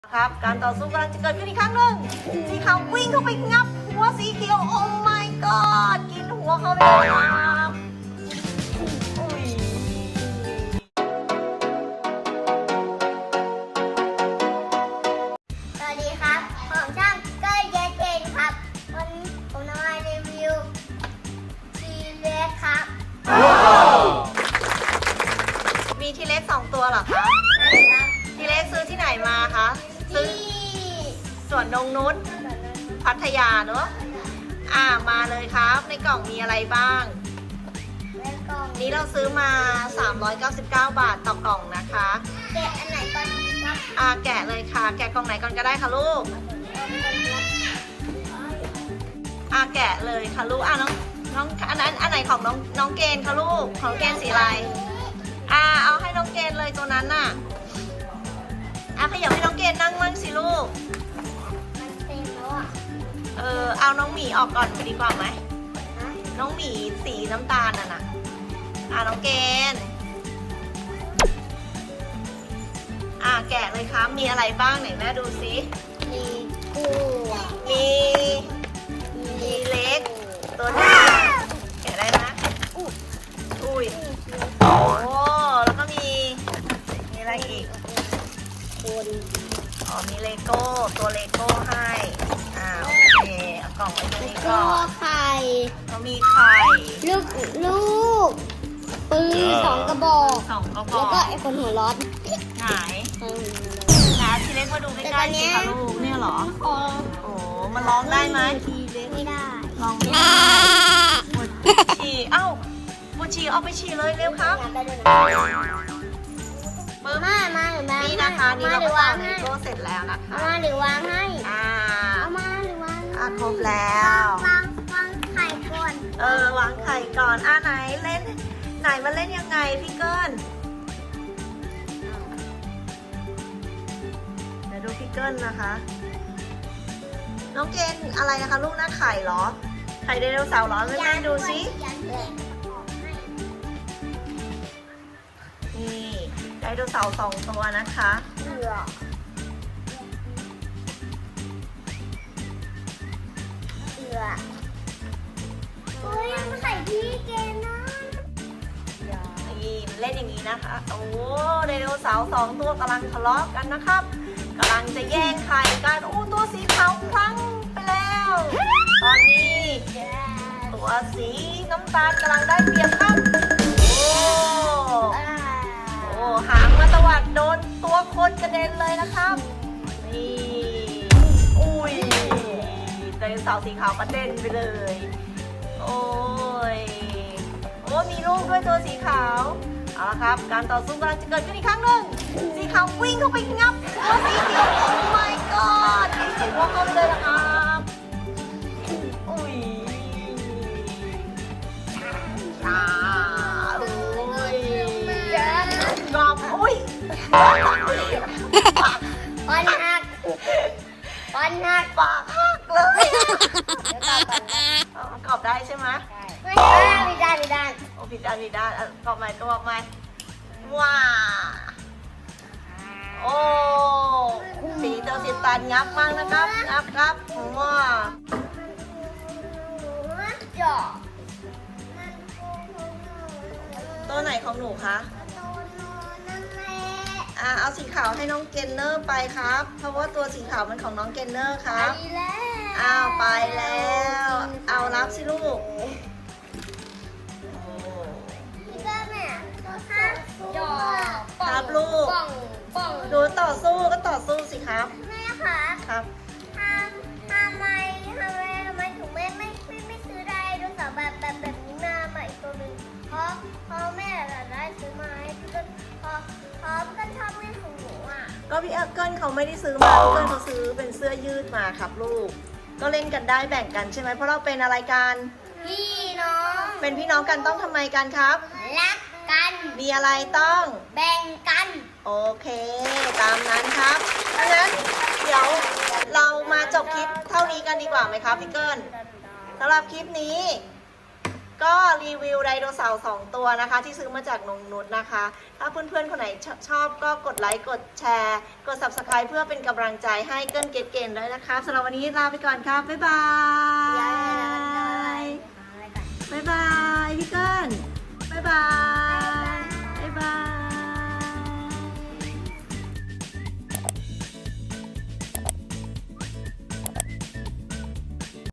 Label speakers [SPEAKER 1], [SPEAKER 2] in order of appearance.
[SPEAKER 1] ครับการต่อสู้กำลังจะเกิดขึ้นอีกครั้งหนึ่งสีขาววิ่งเข้าไปงับหัวสีเขียวโอ้ my god กินหัวเขาไปเลยครับอุ้ย
[SPEAKER 2] สวัสดีครับผมช่างเก้ยเยเจนครับวันนี้ผมจะมารีวิวทีเล็กครับ
[SPEAKER 1] มีทีเล็ก2ตัวเหรอคะ
[SPEAKER 2] ใช่ครับ
[SPEAKER 1] ทีเล็กซื้อที่ไหนมาคะซื้อ
[SPEAKER 2] ที่
[SPEAKER 1] สวนนงนุชพัทยาเนอะมาเลยครับในกล่องมีอะไรบ้าง
[SPEAKER 2] แล้วก็
[SPEAKER 1] นี้เราซื้อมา 399 บาทต่อกล่องนะคะ
[SPEAKER 2] แกะอันไหนก่อนดีครับ
[SPEAKER 1] แกะเลยค่ะ แกะกล่องไหนก่อนก็ได้ค่ะลูก แกะเลยค่ะลูกน้องอันนั้นอันไหนของน้องเกณฑ์คะลูกของเกณฑ์สีอะไรเอาให้น้องเกณฑ์เลยตัวนั้นน่ะขยับให้น้องเกณฑ์นั่งมั่งสิลูก
[SPEAKER 2] มันเต็มแล้วอ่ะ
[SPEAKER 1] เอาน้องหมีออกก่อนดีกว่าไหม
[SPEAKER 2] ฮะ
[SPEAKER 1] น้องหมีสีน้ำตาลน่ะน้องเกณฑ์แกะเลยครับมีอะไรบ้างไหนแม่ดูสิ
[SPEAKER 2] มีกุ้ง
[SPEAKER 1] มีเล็กตัวนี้แกะได้นะอุ้ยโอ้แล้วก็มีอะไรอีก
[SPEAKER 2] คน
[SPEAKER 1] มีเลโก้ตัวเลโก้ให้โอเคเอากล่องไว้ตรงนี้
[SPEAKER 2] ก็
[SPEAKER 1] ก่อน
[SPEAKER 2] ไข่
[SPEAKER 1] เขามีไข่
[SPEAKER 2] ลูกปืน2 กระบอก
[SPEAKER 1] 2 กระบ
[SPEAKER 2] แล้ว
[SPEAKER 1] อก
[SPEAKER 2] ก็ไอ้คนหัวร้อน
[SPEAKER 1] หายทีเล็กมาดูใกล้ๆสิคะลูกเนี่ยเหรอ
[SPEAKER 2] คอ
[SPEAKER 1] โอ้มันร้องได้ไหม
[SPEAKER 2] ทีเล็กไม่ได้
[SPEAKER 1] ลองดูปวดฉี่ปวดฉี่เอาไปฉี่เลยเร็วครับ
[SPEAKER 2] งานไปด้วยนะ
[SPEAKER 1] ปึ๊บ
[SPEAKER 2] มาหรือมา
[SPEAKER 1] นี่นะคะนี่เรา
[SPEAKER 2] หรื
[SPEAKER 1] ก็
[SPEAKER 2] อวา
[SPEAKER 1] ต่อง เล
[SPEAKER 2] ให้
[SPEAKER 1] โก้เสร็จแล้วนะคะ
[SPEAKER 2] เอามาหรือวางให้ เอามาหรือวางให้
[SPEAKER 1] ครบแล้ว
[SPEAKER 2] วางไข่ก่อน
[SPEAKER 1] วางไข่ก่อนไหนเล่นไหนมาเล่นยังไงพี่เกิลเดี๋ยวดูพี่เกิลนะคะ น้องเกณฑ์อะไรนะคะลูกหน้าไข่เหรอ ไข่ไดโนเสาร์เหรอแม่ดูสิ
[SPEAKER 2] ยันเลย
[SPEAKER 1] นี่ไดโนเสาร์2 ตัวนะคะ
[SPEAKER 2] เหลือเฮ้ยมันไข่พี่เกณฑ์นะ
[SPEAKER 1] นี่มันเล่นอย่างนี้นะคะ โอ้ไดโนเสาร์2 ตัวกำลังทะเลาะกันนะครับกำลังจะแย่งไข่กันตัวสีขาวพลั้งไปแล้ว ตอนนี้ตัวสีน้ำตาลกำลังได้เปรียบครับหางมาตวัดโดนตัวคนกระเด็นเลยนะครับนี่อุ้ยไดโนเสาร์สีขาวกระเด็นไปเลยโอ้มีลูกด้วยตัวสีขาวเอาละครับการต่อสู้กำลังจะเกิดขึ้นอีกครั้งหนึ่งสีขาววิ่งเข้าไปงับตัวสีเขียวโอ้ my god กินหัวเขาไปเลยนะครับอุ้ยโอ้ยกรอบอุ้ย
[SPEAKER 2] ปอนหักปอนหัก
[SPEAKER 1] ปากหักเลย
[SPEAKER 2] เดี๋ยวต่อก่อนนะ
[SPEAKER 1] กรอบได้ใช่ไหม
[SPEAKER 2] ไม่ได้ไม่ได้
[SPEAKER 1] โอ้ผิดด้านกรอบใหม่ว้าโอ้สีเจ้าสีตาลงับมากนะครับงับครับว้า
[SPEAKER 2] จอ
[SPEAKER 1] ตัวไหนของหนูคะเอาสีขาวให้น้องเกนเนอร์ไปครับ เพราะว่าตัวสีขาวมันของน้องเกนเนอร์ครับ ไปแล้วเอารับสิลูก ครับลูก
[SPEAKER 2] ป่อง
[SPEAKER 1] หนูต่อสู้ก็ต่อสู้สิครับ
[SPEAKER 2] แม่คะ
[SPEAKER 1] ครับ
[SPEAKER 2] ทำไมถึงไม่ซื้อได้ดูสาวแบบนี้มาใหม่ตัวนึงเพราะแม่ได้ซื้อมาให้พี่ก็เพราะพี่ก็ชอบเล่นของหนูอ่ะ
[SPEAKER 1] ก็พี่เกิลเขาไม่ได้ซื้อมาพี่เกิลเขาซื้อเป็นเสื้อยืดมาครับลูก ก็เล่นกันได้แบ่งกันใช่ไหมเพราะเราเป็นอะไรกัน
[SPEAKER 2] พี่น้อง
[SPEAKER 1] เป็นพี่น้องกันต้องทำไมกันครับ
[SPEAKER 2] รักกัน
[SPEAKER 1] มีอะไรต้อง
[SPEAKER 2] แบ่งกัน
[SPEAKER 1] โอเค ตามนั้นครับดังนั้นเดี๋ยวเรามาจบคลิปเท่านี้กันดีกว่าไหมครับพี่เกิลสำหรับคลิปนี้ก็รีวิวไดโนเสาร์2ตัวนะคะ ที่ซื้อมาจากนงนุชนะคะ ถ้าเพื่อนๆคนไหนชอบก็กดไลค์กดแชร์กด Subscribe เพื่อเป็นกำลังใจให้เกิ้ลเกตเกนด้วยนะคะสำหรับวันนี้ลาไปก่อนครับบ๊ายบาย